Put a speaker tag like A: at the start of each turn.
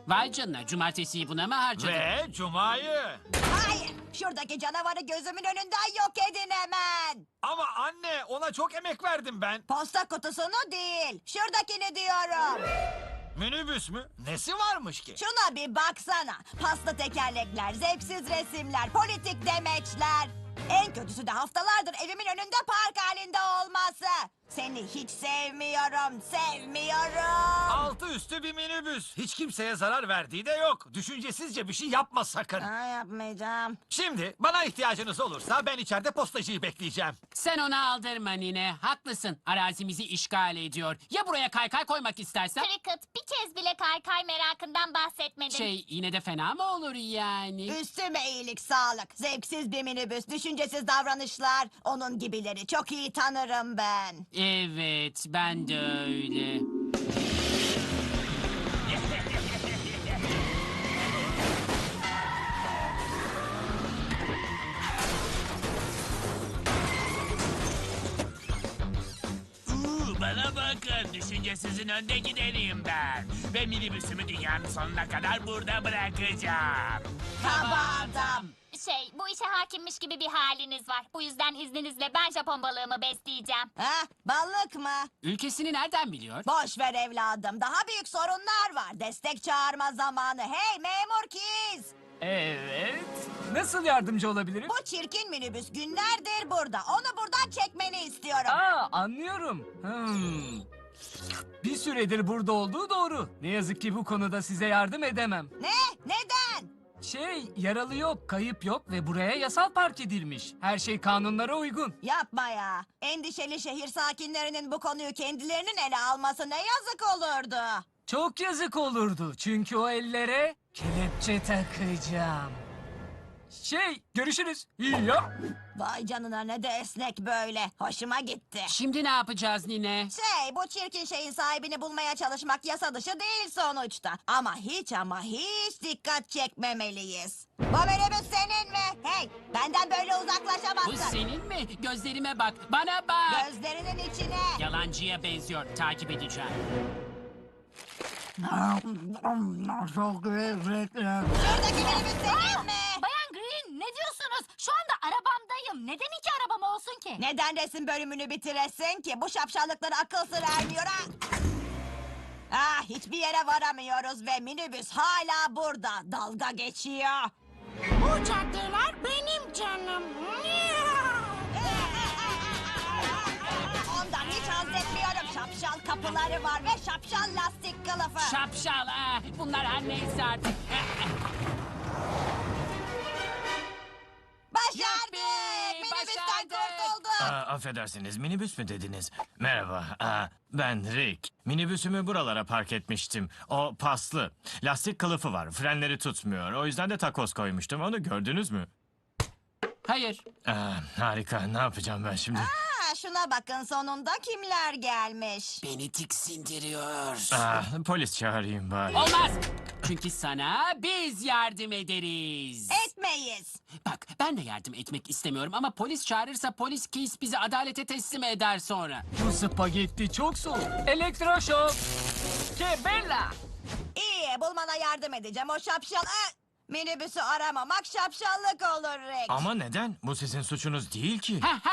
A: Vay canına, cumartesiyi buna mı harcadın?
B: Ve cumayı.
C: Hayır, şuradaki canavarı gözümün önünden yok edin hemen.
B: Ama anne, ona çok emek verdim ben.
C: Posta kutusunu değil, şuradakini diyorum.
B: Minibüs mü? Nesi varmış ki?
C: Şuna bir baksana. Paslı tekerlekler, zevksiz resimler, politik demeçler. En kötüsü de haftalardır evimin önünde park halinde olması. Seni hiç sevmiyorum, sevmiyorum.
B: Altı üstü bir minibüs. Hiç kimseye zarar verdiği de yok. Düşüncesizce bir şey yapma sakın.
C: Yapmayacağım.
B: Şimdi bana ihtiyacınız olursa ben içeride postacıyı bekleyeceğim.
A: Sen ona aldırma nine. Haklısın. Arazimizi işgal ediyor. Ya buraya kaykay koymak istersen?
D: Cricket, bir kez bile kaykay merakından bahsetmedin.
A: Yine de fena mı olur yani?
C: Üstüme iyilik, sağlık. Zevksiz bir minibüs, düşüncesiz davranışlar. Onun gibileri çok iyi tanırım ben.
A: Evet, ben de öyle.
E: Bana bakın, düşüncesizin önde gideniyim ben. Ve minibüsümü dünyanın sonuna kadar burada bırakacağım.
C: Kaba adam.
D: Bu işe hakimmiş gibi bir haliniz var. Bu yüzden izninizle ben Japon balığımı besleyeceğim.
C: Ha, balık mı?
A: Ülkesini nereden biliyor?
C: Boş ver evladım. Daha büyük sorunlar var. Destek çağırma zamanı. Hey memur Kiz.
F: Evet. Nasıl yardımcı olabilirim?
C: Bu çirkin minibüs günlerdir burada. Onu buradan çekmeni istiyorum.
F: Anlıyorum. Bir süredir burada olduğu doğru. Ne yazık ki bu konuda size yardım edemem.
C: Ne? Neden?
F: Yaralı yok, kayıp yok ve buraya yasal park edilmiş. Her şey kanunlara uygun.
C: Yapma ya. Endişeli şehir sakinlerinin bu konuyu kendilerinin ele alması ne yazık olurdu.
F: Çok yazık olurdu çünkü o ellere kelepçe takacağım. Görüşürüz. İyi ya.
C: Vay canına ne de esnek böyle. Hoşuma gitti.
A: Şimdi ne yapacağız nine?
C: Bu çirkin şeyin sahibini bulmaya çalışmak yasa dışı değil sonuçta. Ama hiç dikkat çekmemeliyiz. Bu minibüs senin mi? Hey, benden böyle
A: Bu
C: uzaklaşamazsın.
A: senin mi? Gözlerime bak, bana bak.
C: Gözlerinin içine.
A: Yalancıya benziyor, takip edeceğim.
C: Şuradaki minibüs senin mi?
D: Bayan Green, ne diyorsunuz? Şu anda arabamdayım. Neden iki arabam olsun ki?
C: Neden resim bölümünü bitiresin ki? Bu şapşallıklara akıl sır ermiyor ha? Hiçbir yere varamıyoruz ve minibüs hala burada. Dalga geçiyor.
D: Bu caddeler benim canım.
C: Ondan hiç haz etmiyorum. Şapşal kapıları var ve şapşal lastik kılıfı.
A: Şapşal, bunlar her neyse artık.
C: Başardık!
A: Yuppi,
C: Minibüsten
A: başardık.
C: kurtulduk.
B: Affedersiniz, minibüs mü dediniz? Merhaba, ben Rick. Minibüsümü buralara park etmiştim. O paslı. Lastik kılıfı var, frenleri tutmuyor. O yüzden de takoz koymuştum. Onu gördünüz mü?
A: Hayır.
B: Harika, ne yapacağım ben şimdi?
C: Şuna bakın sonunda kimler gelmiş.
A: Beni tiksindiriyor.
B: Polis çağırayım bari.
A: Olmaz. Çünkü sana biz yardım ederiz.
C: Etmeyiz.
A: Bak, ben de yardım etmek istemiyorum ama polis çağırırsa polis Keys bizi adalete teslim eder sonra.
F: Bu spagetti çok soğuk. Elektroşok. Bella.
C: İyi bulmana yardım edeceğim o şapşal... Minibüsü aramamak şapşallık olur Rex.
B: Ama neden? Bu sizin suçunuz değil ki.
A: Ha,